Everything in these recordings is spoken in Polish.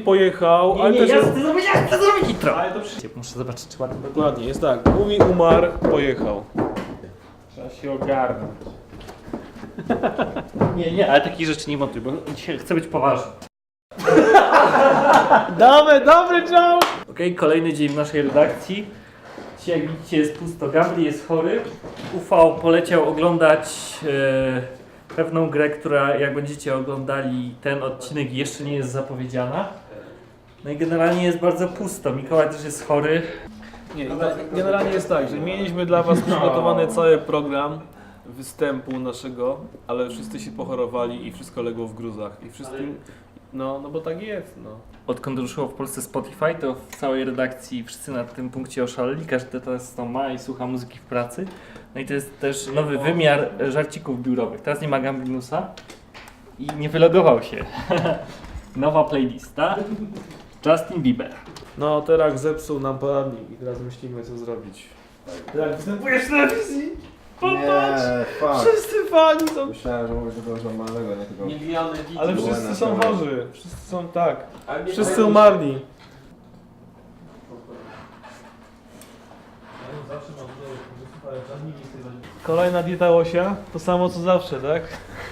pojechał, ale Nie, też ja jest... chcę zrobić intro. Ale to przy... Muszę zobaczyć, czy ładnie Dokładnie, jest tak. Mówi, umarł, pojechał. Trzeba się ogarnąć. Nie, ale takich rzeczy nie montuj, bo dzisiaj chcę być poważny. Dobry joke! Okej, kolejny dzień w naszej redakcji. Dzisiaj jak widzicie jest pusto, Gambli jest chory. Ufał poleciał oglądać pewną grę, która jak będziecie oglądali ten odcinek jeszcze nie jest zapowiedziana. No i generalnie jest bardzo pusto, Mikołaj też jest chory. Nie, generalnie jest tak, że mieliśmy dla was przygotowany cały program występu naszego, ale wszyscy się pochorowali i wszystko legło w gruzach. I wszystkim... No bo tak jest, no. Odkąd ruszyło w Polsce Spotify, to w całej redakcji wszyscy na tym punkcie oszaleli, każdy teraz to ma i słucha muzyki w pracy. No i to jest też nowy wymiar żarcików biurowych. Teraz nie ma Gamblinusa i nie wylogował się. Nowa playlista. Justin Bieber. No, teraz zepsuł nam poradnik i teraz myślimy co zrobić. Jak występujesz na telewizji? Nie, fuck. Wszyscy fani są... Myślałem, że mówisz czegoś normalnego, nie tylko... Miliony widzów. Ale wszyscy są chorzy, wszyscy są tak. Ale nie Wszyscy powiem, umarli. Kolejna dieta łosia, to samo co zawsze, tak?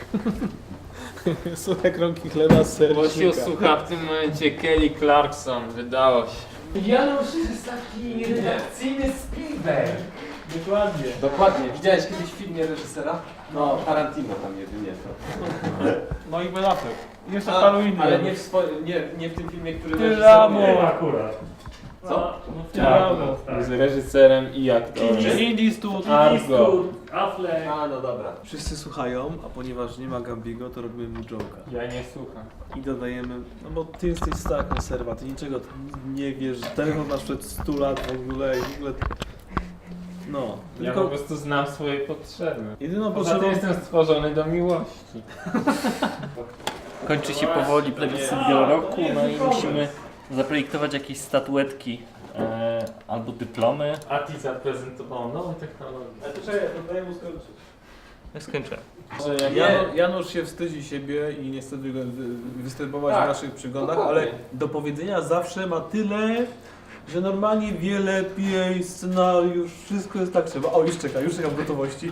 Suche kromki chleba z Łosiu sercznika. słucha w tym momencie Kelly Clarkson, wydało się. Janusz jest taki redakcyjny Spielberg. Dokładnie. Dokładnie. Widziałeś kiedyś w filmie reżysera? No, Tarantino tam jedynie to. No i Ben Affleck. I jeszcze paru innych. Ale nie w tym filmie, który Tyramo. reżyseruje. akurat. Co? Tyramo. Jest reżyserem i aktorem. Indie Stud. Argo. Affleck. A, no dobra. Wszyscy słuchają, a ponieważ nie ma Gambigo, to robimy mu joke'a. Ja nie słucham. I dodajemy, no bo ty jesteś stara konserwa, ty niczego nie wiesz, telefon masz przed 100 lat w ogóle i w ogóle... No, Ja po prostu znam swoje potrzeby. jedyną Poza potrzebą... tym jestem stworzony do miłości. Kończy się powoli plebiscyt wieloroku, no i musimy zaprojektować jakieś statuetki albo dyplomy. Ati zaprezentował nową technologię. Ale to czekaj, to daj mu skończyć. Ja skończyłem. Że jak Janusz się wstydzi siebie i nie chce występować w naszych przygodach, ale do powiedzenia zawsze ma tyle, że normalnie wie lepiej, scenariusz, wszystko jest tak trzeba. O, już czekam w gotowości.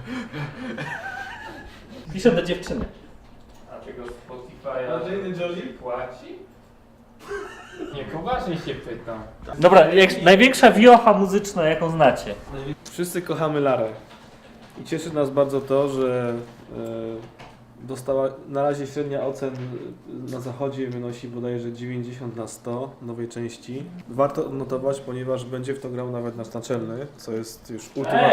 Piszę do dziewczyny. A tego Spotify'a Jolie? płaci? Nie, poważnie się pytam. Dobra, największa wiocha muzyczna jaką znacie. Wszyscy kochamy Larę. I cieszy nas bardzo to, że dostała na razie średnia ocen na zachodzie wynosi bodajże 90 na 100 nowej części. Warto odnotować, ponieważ będzie w to grał nawet nasz naczelny, co jest już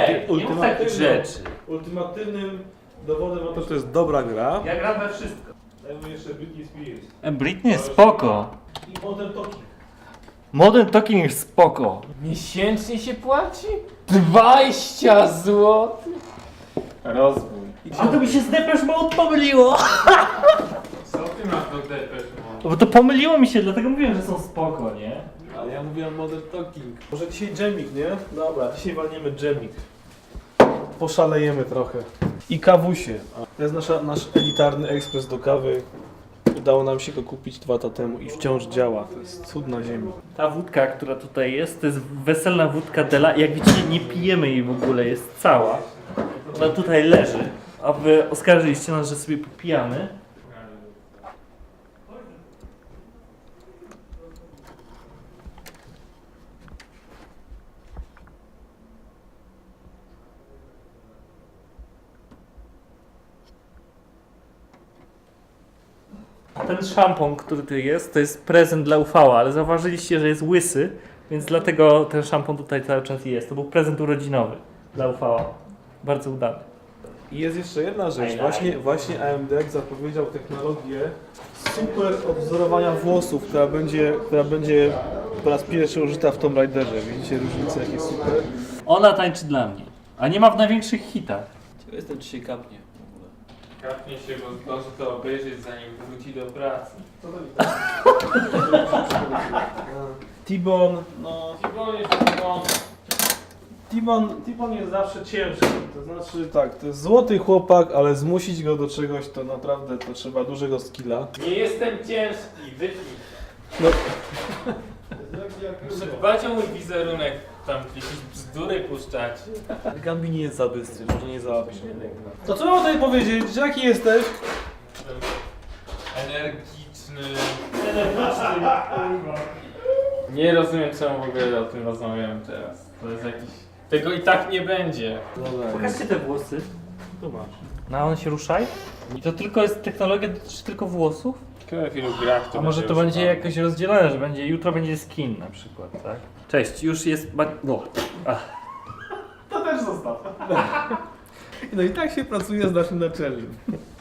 ultimatywnym dowodem na to, że to jest dobra gra. Ja gram we wszystko. Dajmy jeszcze Britney Spears. Britney jest spoko. I Modern Talking. Modern Talking jest spoko. Miesięcznie się płaci? 20 zł? Rozwój. A to mi się z Depeche Mode pomyliło. Co ty masz do Depeche Mode? Bo to pomyliło mi się, dlatego mówiłem, że są spoko, nie? Ale ja mówiłem Modern Talking. Może dzisiaj dżemik, nie? Dobra, dzisiaj walniemy dżemik. Poszalejemy trochę. I kawusie. To jest nasz elitarny ekspres do kawy. Udało nam się go kupić 2 lata temu i wciąż działa. To jest cud na ziemi. Ta wódka, która tutaj jest, to jest weselna wódka Dela. Jak widzicie, nie pijemy jej w ogóle, jest cała. Ona tutaj leży, a wy oskarżyliście nas, że sobie popijamy. Ten szampon, który tu jest, to jest prezent dla Ufała, ale zauważyliście, że jest łysy, więc dlatego ten szampon tutaj cały czas jest. To był prezent urodzinowy dla Ufała. Bardzo udany. I jest jeszcze jedna rzecz. Właśnie AMD zapowiedział technologię super odwzorowania włosów, która będzie po raz pierwszy użyta w Tomb Raiderze. Widzicie różnicę, jakie super? Ona tańczy dla mnie, a nie ma w największych hitach. Ciekaw jestem, czy się kapnie. Kapnie się, bo zdąży to obejrzeć, zanim wróci do pracy. T-Bone, no... Timon jest T-Bone jest zawsze ciężki, to znaczy tak, to jest złoty chłopak, ale zmusić go do czegoś to naprawdę to trzeba dużego skilla. Nie jestem ciężki, wypnij. Muszę dbać o mój wizerunek, tam jakieś bzdury puszczać. Gambi nie jest za bystry, może nie załapie. To co mam tutaj powiedzieć? Jaki jesteś? Energiczny. Nie rozumiem, czemu w ogóle o tym rozmawiamy teraz. To jest jakiś... Tego i tak nie będzie. Pokażcie te włosy. Tu masz. No a one się ruszaj? I to tylko jest technologia, dotyczy tylko włosów? Ciekawe w ilu grach to A może to będzie jakoś rozdzielone, że będzie jutro będzie skin na przykład, tak? Cześć, już jest... No. To też zostaw. No i tak się pracuje z naszym naczelnym.